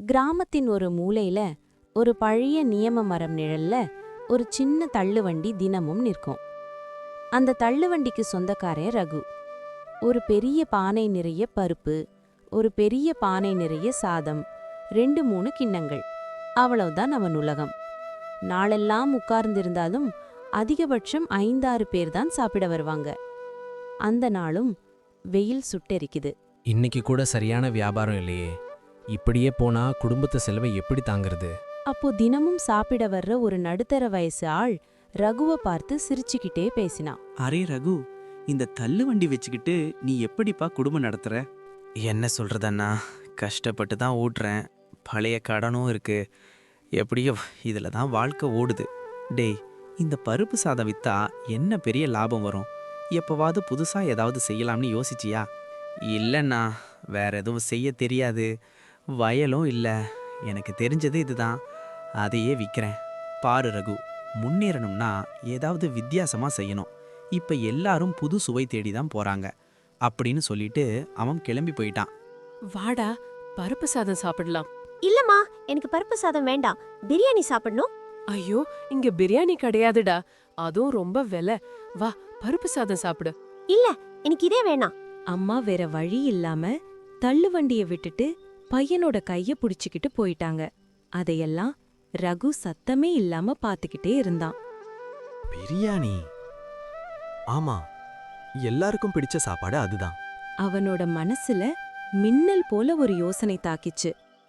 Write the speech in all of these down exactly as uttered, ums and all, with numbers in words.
கிராமத்தின் ஒரு மூலையில ஒரு பழைய நியம மரம் நிழல்ல ஒரு சின்ன தள்ளுவண்டி தினமும் நிற்கும். அந்த தள்ளுவண்டிக்கு சொந்தக்காரன் ரகு. ஒரு பெரிய பானை நிறைய பருப்பு, ஒரு பெரிய பானை நிறைய சாதம், ரெண்டு மூணு கிண்ணங்கள், அவ்வளவுதான் அவன் உலகம். நாளெல்லாம் உட்கார்ந்திருந்தாலும் அதிகபட்சம் ஐந்தாறு பேர் தான் சாப்பிட வருவாங்க. அந்த நாளும் வெயில் சுட்டெரிக்குது. இன்னைக்கு கூட சரியான வியாபாரம் இல்லையே. இப்படியே போனா குடும்பத்து செலவை எப்படி தாங்கிறது? அப்போ தினமும் சாப்பிட வர்ற ஒரு நடுத்தர வயசு ஆள் ரகுவை பார்த்து சிரிச்சுக்கிட்டே பேசினான். அரே ரகு, இந்த தள்ளு வண்டி வச்சுக்கிட்டு நீ எப்படிப்பா குடும்பம் நடத்துற? என்ன சொல்றதண்ணா, கஷ்டப்பட்டு தான் ஓட்டுறேன். பழைய கடனும் இருக்கு. எப்படியோ இதில் தான் வாழ்க்கை ஓடுது. டேய், இந்த பருப்பு சாதம் வித்தா என்ன பெரிய லாபம் வரும்? எப்போவாவது புதுசாக ஏதாவது செய்யலாம்னு யோசிச்சியா? இல்லைண்ணா, வேற எதுவும் செய்ய தெரியாது. வயலும் இல்லை. எனக்கு தெரிஞ்சது இதுதான், அதையே விற்கிறேன். பாரு ரகு, முன்னேறணும்னா ஏதாவது வித்தியாசமாக செய்யணும். இப்போ எல்லாரும் புது சுவை தேடி தான் போகிறாங்க அப்படின்னு சொல்லிட்டு அவன் கிளம்பி போயிட்டான். வாடா, பருப்பு சாதம் சாப்பிடலாம். இல்லம்மா, எனக்கு பருப்பு சாதம் வேண்டாம், பிரியாணி சாப்பிடணும். ஐயோ, இங்க பிரியாணி கிடையாதுடா, அதுவும் ரொம்ப விலை. வா, பருப்பு சாதம் சாப்பிடு. இல்ல, எனக்கு இதே வேணாம். அம்மா வேற வழி இல்லாம தள்ளுவண்டிய விட்டுட்டு பையனோட கைய புடிச்சுக்கிட்டு போயிட்டாங்க. அதையெல்லாம் ரகு சத்தமே இல்லாம பாத்துக்கிட்டே இருந்தான். பிரியாணி, ஆமா, எல்லாருக்கும் பிடிச்ச சாப்பாடு அதுதான். அவனோட மனசுல மின்னல் போல ஒரு யோசனை தாக்கிச்சு.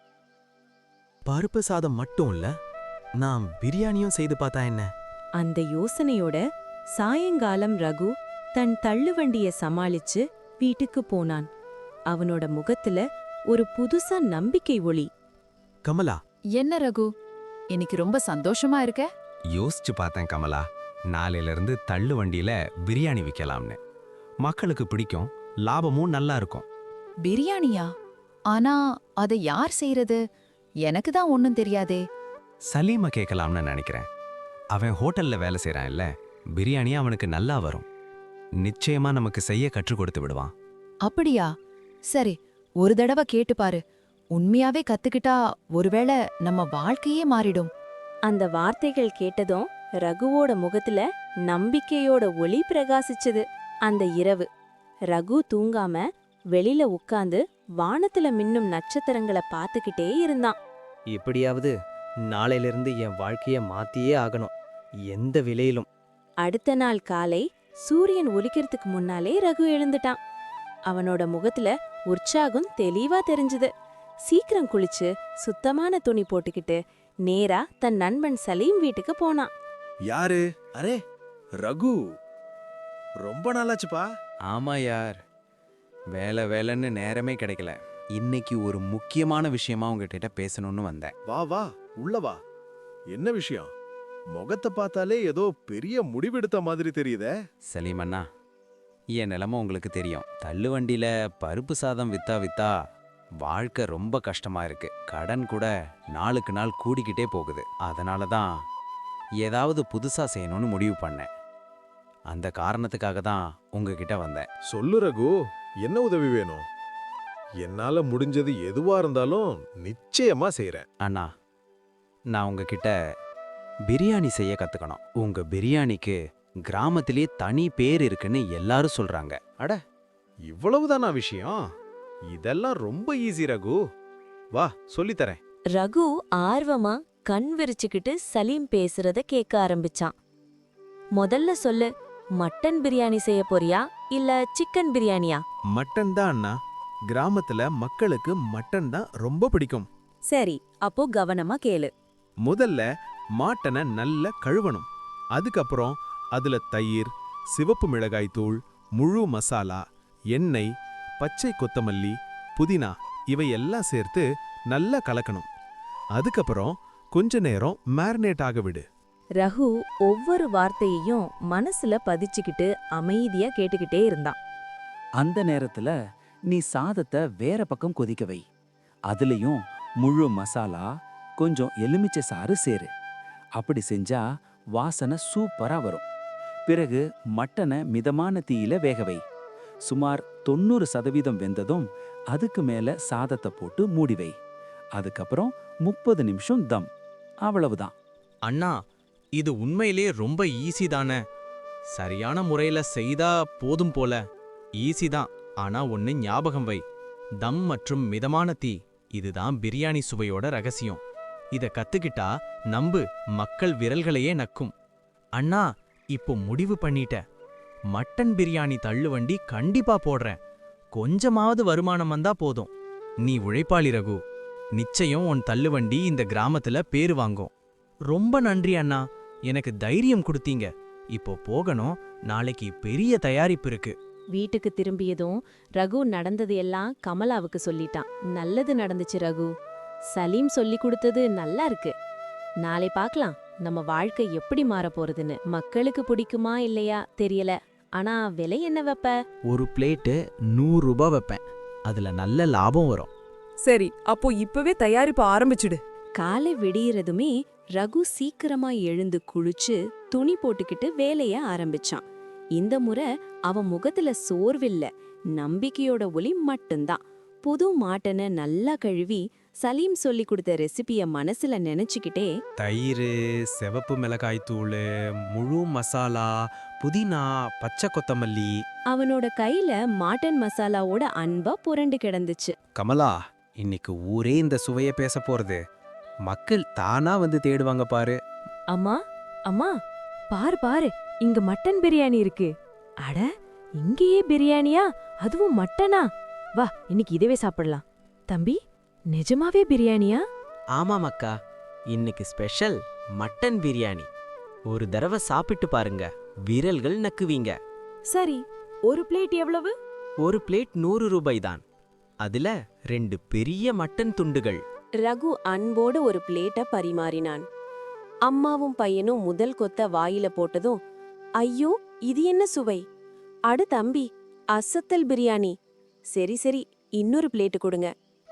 பருப்பு சாதம் மட்டும் இல்ல, நான் பிரியாணியும் செய்து பார்த்தா என்ன? அந்த யோசனையோட சாயங்காலம் ரகு தன் தள்ளுவண்டிய சமாளிச்சு வீட்டுக்கு போனான். அவனோட முகத்துல ஒரு புதுசா நம்பிக்கை ஒளி. கமலா, என்ன ரகு, இன்னைக்கு ரொம்ப சந்தோஷமா இருக்க? யோசிச்சு பார்த்தேன் கமலா, நாளையில இருந்து தள்ளு வண்டியில பிரியாணி விற்கலாம்னு. மக்களுக்கு பிடிக்கும், லாபமும் நல்லா இருக்கும். பிரியாணியா? ஆனா அதை யார் செய்யறது? எனக்கு தான் ஒன்னும் தெரியாதே. சலீமை கேட்கலாம்னு நினைக்கிறேன். அவன் ஹோட்டல்ல வேலை செய்யறான் இல்ல, பிரியாணி அவனுக்கு நல்லா வரும். நிச்சயமா நமக்கு செய்ய கற்றுக் கொடுத்து விடுவான். அப்படியா? சரி, ஒரு தடவை கேட்டு பாரு. உண்மையாவே கத்துக்கிட்டா ஒருவேளை நம்ம வாழ்க்கையே மாறிடும். அந்த வார்த்தைகள் கேட்டதும் ரகுவோட முகத்துல நம்பிக்கையோட ஒளி பிரகாசிச்சது. அந்த இரவு ரகு தூங்காம வெளியில உட்கார்ந்து வானத்துல மின்னும் நட்சத்திரங்களை பார்த்துக்கிட்டே இருந்தான். எப்படியாவது நாளையிலிருந்து என் வாழ்க்கைய மாத்தியே ஆகணும், எந்த விலையிலும். அடுத்த நாள் காலை சூரியன் ஒலிக்கிறதுக்கு முன்னாலே ரகு எழுந்துட்டான். அவனோட முகத்துல உற்சாகம் தெளிவா தெரிஞ்சுது. சீக்கிரம் குளிச்சு சுத்தமான துணி போட்டுக்கிட்டு நேரா தன் நண்பன் சலீம் வீட்டுக்கு போனான். யாரு? அரே ரகு, ரொம்ப நாளாச்சுப்பா. ஆமா யார், வேலை வேலைன்னு நேரமே கிடைக்கல. இன்னைக்கு ஒரு முக்கியமான விஷயமா உங்ககிட்ட பேசணும்னு வந்தேன். வா வா, உள்ள வா. என்ன விஷயம்? முகத்தை பார்த்தாலே ஏதோ பெரிய முடிவெடுத்த மாதிரி தெரியுதே. சலீம் அண்ணா, என் நிலைமை உங்களுக்கு தெரியும். தள்ளு வண்டியில பருப்பு சாதம் வித்தா வித்தா வாழ்க்கை ரொம்ப கஷ்டமா இருக்கு. கடன் கூட நாளுக்கு நாள் கூடிக்கிட்டே போகுது. அதனால தான் ஏதாவது புதுசா செய்யணும்னு முடிவு பண்ணேன். அந்த காரணத்துக்காக தான் உங்ககிட்ட வந்தேன். சொல்லு ரகு, என்ன உதவி வேணும்? என்னால முடிஞ்சது எதுவா இருந்தாலும் நிச்சயமா செய்றேன். அண்ணா, நான் உங்ககிட்ட பிரியாணி செய்ய கத்துக்கணும். உங்க பிரியாணிக்கு கிராமத்திலேயே தனி பேர் இருக்குன்னு எல்லாரும் சொல்றாங்க. அட, இவ்வளவுதானா விஷயம்? இதெல்லாம் ரொம்ப ஈஸி ரகு. வா, சொல்லித்தரேன். ரகு ஆர்வமா கண் விரிச்சுக்கிட்டு சலீம் பேசுறத கேட்க ஆரம்பிச்சான். முதல்ல சொல்லு, மட்டன் பிரியாணி செய்ய போறியா இல்ல சிக்கன் பிரியாணியா? மட்டன் தான் அண்ணா. கிராமத்துல மக்களுக்கு மட்டன் தான் ரொம்ப பிடிக்கும். சரி, அப்போ கவனமா கேளு. முதல்ல மாட்டனை நல்லா கழுவணும். அதுக்கப்புறம் அதுல தயிர், சிவப்பு மிளகாய் தூள், முழு மசாலா, எண்ணெய், பச்சை கொத்தமல்லி, புதினா இவையெல்லாம் சேர்த்து நல்லா கலக்கணும். அதுக்கப்புறம் கொஞ்ச நேரம் மேரினேட் ஆக விடு. ரகு ஒவ்வொரு வார்த்தையையும் மனசுல பதிச்சுக்கிட்டு அமைதியா கேட்டுக்கிட்டே இருந்தான். அந்த நேரத்துல நீ சாதத்தை வேற பக்கம் கொதிக்க வை. அதுலயும் முழு மசாலா, கொஞ்சம் எலுமிச்சை சாறு சேரு. அப்படி செஞ்சா வாசனை சூப்பரா வரும். பிறகு மட்டனை மிதமான தீயில வேக வை. சுமார் தொண்ணூறு சதவீதம் வெந்ததும் அதுக்கு மேல சாதத்தை போட்டு மூடி வை. அதுக்கப்புறம் முப்பது நிமிஷம் தம், அவ்வளவுதான். அண்ணா, இது உண்மையிலே ரொம்ப ஈஸி தானே. சரியான முறையில செய்தா போதும் போல. ஈஸி தான், ஆனா ஒன்னு ஞாபகம் வை. தம் மற்றும் மிதமான தீ, இதுதான் பிரியாணி சுவையோட ரகசியம். இத கத்துக்கிட்டா நம்பு, மக்கள் விரல்களையே நக்கும். அண்ணா, இப்போ முடிவு பண்ணிட்ட. மட்டன் பிரியாணி தள்ளுவண்டி கண்டிப்பா போடுறேன். கொஞ்சமாவது வருமானம் வந்தா போதும். நீ உழைப்பாளி ரகு. நிச்சயம் உன் தள்ளுவண்டி இந்த கிராமத்துல பேரு வாங்கும். ரொம்ப நன்றி அண்ணா, எனக்கு தைரியம் கொடுத்தீங்க. இப்போ போகணும், நாளைக்கு பெரிய தயாரிப்பு இருக்கு. வீட்டுக்கு திரும்பியதும் ரகு நடந்தது எல்லாம் கமலாவுக்கு சொல்லிட்டான். நல்லது நடந்துச்சு ரகு. சலீம் சொல்லி கொடுத்தது நல்லா இருக்கு. நாளை பார்க்கலாம் நம்ம வாழ்க்கை எப்படி மாறப் போறதுன்னு. மக்களுக்கு பிடிக்குமா இல்லையா தெரியல, ஆனா விலை என்ன வைப்ப? ஒரு பிளேட்டு நூறு ரூபாய் வைப்பேன். அதுல நல்ல லாபம் வரும். சரி, அப்போ இப்பவே தயாரிப்பு ஆரம்பிச்சுடு. காலை விடியறதுமே ரகு சீக்கிரமா எழுந்து குளிச்சு துணி போட்டுக்கிட்டு வேலைய ஆரம்பிச்சான். இந்த முறை அவன் முகத்துல சோர்வில்ல, நம்பிக்கையோட ஒளி மட்டும்தான். புது மாட்டனை நல்லா கழுவி சலீம் சொல்லி கொடுத்த ரெசிபிய மனசுல நினைச்சுக்கிட்டே, தயிர், சிவப்பு மிளகாய் தூள், முழு மசாலா, புதினா, பச்சை கொத்தமல்லி. அவனோட கையில மாட்டன் மசாலாவோட அன்பா புரண்டு கிடந்துச்சு. கமலா, இன்னைக்கு ஊரே இந்த சுவைய பேச போறது. மக்கள் தானா வந்து தேடுவாங்க பாரு. அம்மா அம்மா, பாரு பாரு, இங்க மட்டன் பிரியாணி இருக்கு. அட, இங்கேயே பிரியாணியா? அதுவும் மட்டனா? வா, இன்னைக்கு இதுவே சாப்பிடலாம். தம்பி, நிஜமாவே பிரியாணியா? ஆமாம் அக்கா, இன்னைக்கு ஸ்பெஷல் மட்டன் பிரியாணி. ஒரு தடவை சாப்பிட்டு பாருங்க, விரல்கள் நக்குவீங்க. சரி, ஒரு பிளேட் எவ்வளவு? ஒரு பிளேட் நூறு ரூபாய் தான். அதுல ரெண்டு பெரிய மட்டன் துண்டுகள். ரகு அன்போடு ஒரு பிளேட்ட பரிமாறினான். அம்மாவும் பையனும் முதல் கொத்த வாயில போட்டதும், ஐயோ, இது என்ன சுவை! அடு தம்பி, அசத்தல் பிரியாணி. சரி சரி, இன்னொரு பிளேட்டு கொடுங்க.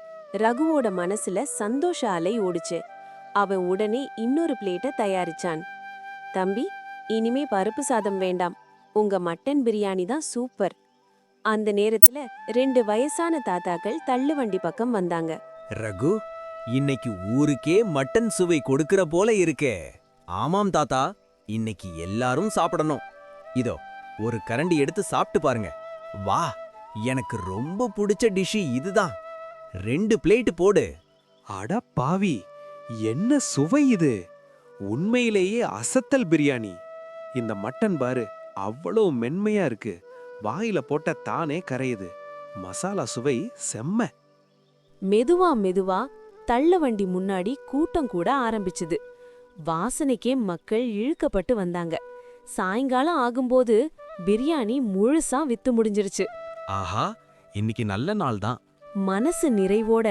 ரகுவோட மனசுல சந்தோஷ அலை ஓடுச்சு. அவன் உடனே இன்னொரு பிளேட்ட தயாரிச்சான். தம்பி, இனிமே பருப்பு சாதம் வேண்டாம், உங்க மட்டன் பிரியாணி தான் சூப்பர். அந்த நேரத்துல ரெண்டு வயசான தாத்தாக்கள் தள்ளுவண்டி பக்கம் வந்தாங்க. ரகு, இன்னைக்கு ஊருக்கே மட்டன் சுவை கொடுக்கிற போல இருக்கே. ஆமாம் தாத்தா, இன்னைக்கு எல்லாரும் சாப்பிடணும். இதோ ஒரு கரண்டி எடுத்து சாப்பிட்டு பாருங்க. வா, எனக்கு ரொம்ப பிடிச்ச டிஷ் இதுதான். ரெண்டு பிளேட் போடு. அட பாவி, என்ன சுவை இது! உண்மையிலேயே அசத்தல் பிரியாணி. இந்த மட்டன் பாரு, அவ்வளோ மென்மையா இருக்கு. வாயில போட்ட தானே கரையுது. மசாலா சுவை செம்ம. மெதுவா மெதுவா தள்ளுவண்டி முன்னாடி கூட்டம் கூட ஆரம்பிச்சுது. வாசனைக்கே மக்கள் இழுக்கப்பட்டு வந்தாங்க. சாயங்காலம் ஆகும்போது பிரியாணி முழுசா வித்து முடிஞ்சிருச்சு. ஆஹா, இன்னைக்கு நல்ல நாள் தான். மனசு நிறைவோட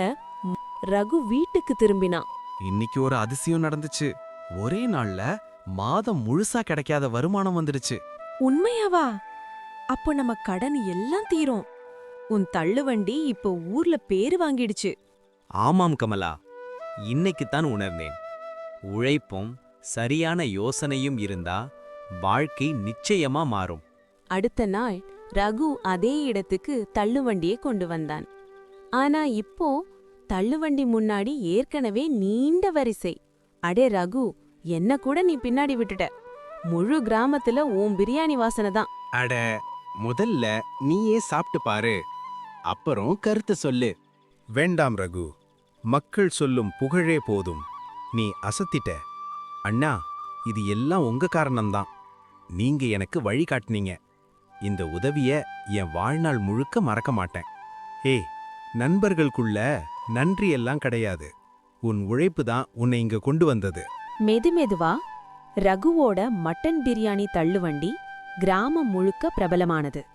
ரகு வீட்டுக்கு திரும்பினான். இன்னைக்கு ஒரு அதிசயம் நடந்துச்சு. ஒரே நாள்ல மாதம் முழுசா கிடைக்காத வருமானம் வந்துடுச்சு. உண்மையாவா? அப்போ நம்ம கடன் எல்லாம் தீரும். உன் தள்ளுவண்டி இப்போ ஊர்ல பேரு வாங்கிடுச்சு. ஆமாம் கமலா, இன்னைக்குத்தான் உணர்ந்தேன். உழைப்பும் சரியான யோசனையும் இருந்தா வாழ்க்கை நிச்சயமா மாறும். அடுத்த நாள் ரகு அதே இடத்துக்கு தள்ளுவண்டியை கொண்டு வந்தான். ஆனா இப்போ தள்ளுவண்டி முன்னாடி ஏற்கனவே நீண்ட வரிசை. அடே ரகு, என்ன கூட நீ பின்னாடி விட்டுட்ட. முழு கிராமத்துல உன் பிரியாணி வாசனை தான். அட, முதல்ல நீயே சாப்பிட்டு பாரு, அப்புறம் கருத்து சொல்லு. வேண்டாம் ரகு, மக்கள் சொல்லும் புகழே போதும். நீ அசத்திட்ட. அண்ணா, இது எல்லாம் உங்க காரணம்தான். நீங்க எனக்கு வழி காட்டினீங்க. இந்த உதவிய என் வாழ்நாள் முழுக்க மறக்க மாட்டேன். ஏய், நண்பர்களுக்குள்ள நன்றி எல்லாம் கிடையாது. உன் உழைப்பு தான் உன்னை இங்க கொண்டு வந்தது. மெதுமெதுவா ரகுவோட மட்டன் பிரியாணி தள்ளுவண்டி கிராமம் முழுக்க பிரபலமானது.